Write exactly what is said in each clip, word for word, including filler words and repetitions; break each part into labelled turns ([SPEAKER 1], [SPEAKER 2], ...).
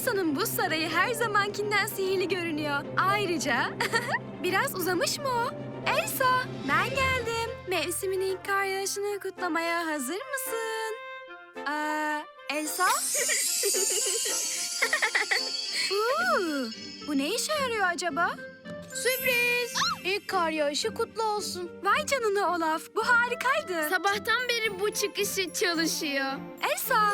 [SPEAKER 1] Elsa'nın buz sarayı her zamankinden sihirli görünüyor. Ayrıca biraz uzamış mı o? Elsa, ben geldim. Mevsimin ilk kar yağışını kutlamaya hazır mısın? Aa, Elsa? Uuu, bu ne işe yarıyor acaba?
[SPEAKER 2] Sürpriz! İlk kar yağışı kutlu olsun.
[SPEAKER 1] Vay canına Olaf, bu harikaydı.
[SPEAKER 3] Sabahtan beri bu çıkışı çalışıyor.
[SPEAKER 1] Elsa!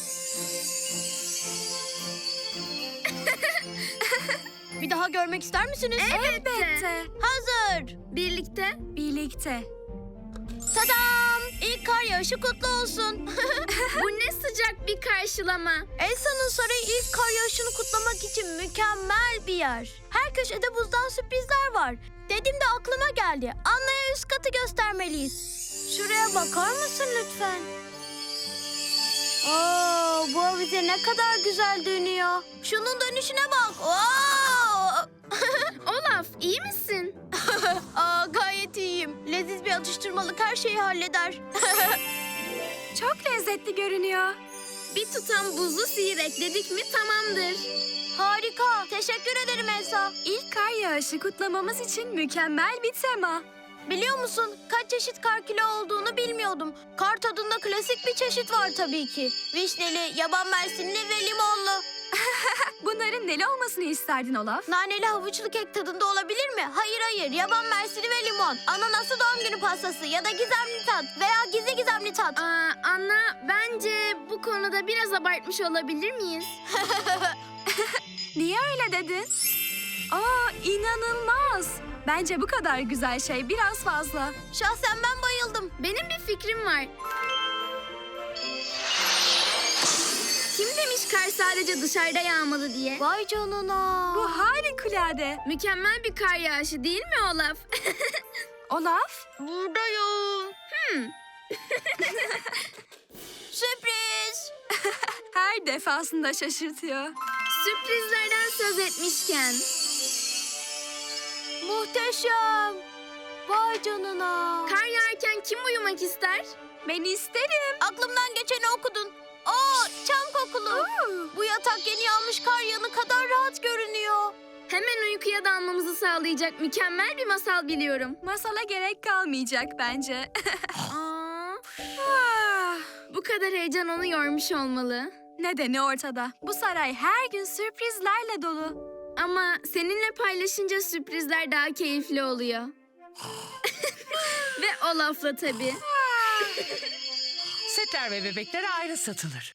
[SPEAKER 2] Bir daha görmek ister misiniz?
[SPEAKER 1] Elbette.
[SPEAKER 2] Hazır.
[SPEAKER 3] Birlikte.
[SPEAKER 1] Birlikte.
[SPEAKER 2] Tadam! İlk kar yağışı kutlu olsun.
[SPEAKER 3] Bu ne sıcak bir karşılama.
[SPEAKER 2] Elsa'nın sarayı ilk kar yağışını kutlamak için mükemmel bir yer. Her köşede buzdan sürprizler var. Dedim de aklıma geldi. Anna'ya üst katı göstermeliyiz. Şuraya bakar mısın lütfen? Oo, bu avize ne kadar güzel dönüyor. Şunun dönüşüne bak. Oo!
[SPEAKER 3] Olaf, iyi misin?
[SPEAKER 2] Aa, gayet iyiyim. Leziz bir atıştırmalık her şeyi halleder.
[SPEAKER 1] Çok lezzetli görünüyor.
[SPEAKER 3] Bir tutam buzlu sihir ekledik mi tamamdır.
[SPEAKER 2] Harika. Teşekkür ederim Elsa.
[SPEAKER 1] İlk kar yağışı kutlamamız için mükemmel bir tema.
[SPEAKER 2] Biliyor musun? Kaç çeşit kar kilo olduğunu bilmiyordum. Kar tadında klasik bir çeşit var tabii ki. Vişneli, yaban mersinli ve limonlu.
[SPEAKER 1] Bunların neli olmasını isterdin Olaf?
[SPEAKER 2] Naneli havuçlu kek tadında olabilir mi? Hayır hayır. Yaban mersini ve limon. Ananaslı doğum günü pastası ya da gizemli tat veya gizli gizemli tat.
[SPEAKER 3] Aa, Anna, bence bu konuda biraz abartmış olabilir miyiz?
[SPEAKER 1] Niye öyle dedin? Aa, inanılmaz. Bence bu kadar güzel şey biraz fazla.
[SPEAKER 2] Şahsen ben bayıldım.
[SPEAKER 3] Benim bir fikrim var. Kim demiş kar sadece dışarıda yağmalı diye?
[SPEAKER 2] Vay canına.
[SPEAKER 1] Bu harikulade.
[SPEAKER 3] Mükemmel bir kar yağışı değil mi Olaf?
[SPEAKER 1] Olaf?
[SPEAKER 2] Buradayım.
[SPEAKER 3] Hmm.
[SPEAKER 2] Sürpriz.
[SPEAKER 1] Her defasında şaşırtıyor.
[SPEAKER 3] Sürprizlerden söz etmişken.
[SPEAKER 2] Muhteşem. Vay canına.
[SPEAKER 3] Kar yağarken kim uyumak ister?
[SPEAKER 1] Ben isterim.
[SPEAKER 2] Aklımdan geçeni okudun. Aa, çam kokulu.
[SPEAKER 1] Oo.
[SPEAKER 2] Bu yatak yeni yağmış kar yağını kadar rahat görünüyor.
[SPEAKER 3] Hemen uykuya dalmamızı sağlayacak mükemmel bir masal biliyorum.
[SPEAKER 1] Masala gerek kalmayacak bence.
[SPEAKER 3] Aa,
[SPEAKER 1] Ah,
[SPEAKER 3] bu kadar heyecan onu yormuş olmalı.
[SPEAKER 1] Nedeni ortada. Bu saray her gün sürprizlerle dolu.
[SPEAKER 3] Ama seninle paylaşınca sürprizler daha keyifli oluyor. Ve Olaf'la tabii.
[SPEAKER 4] Setler ve bebekler ayrı satılır.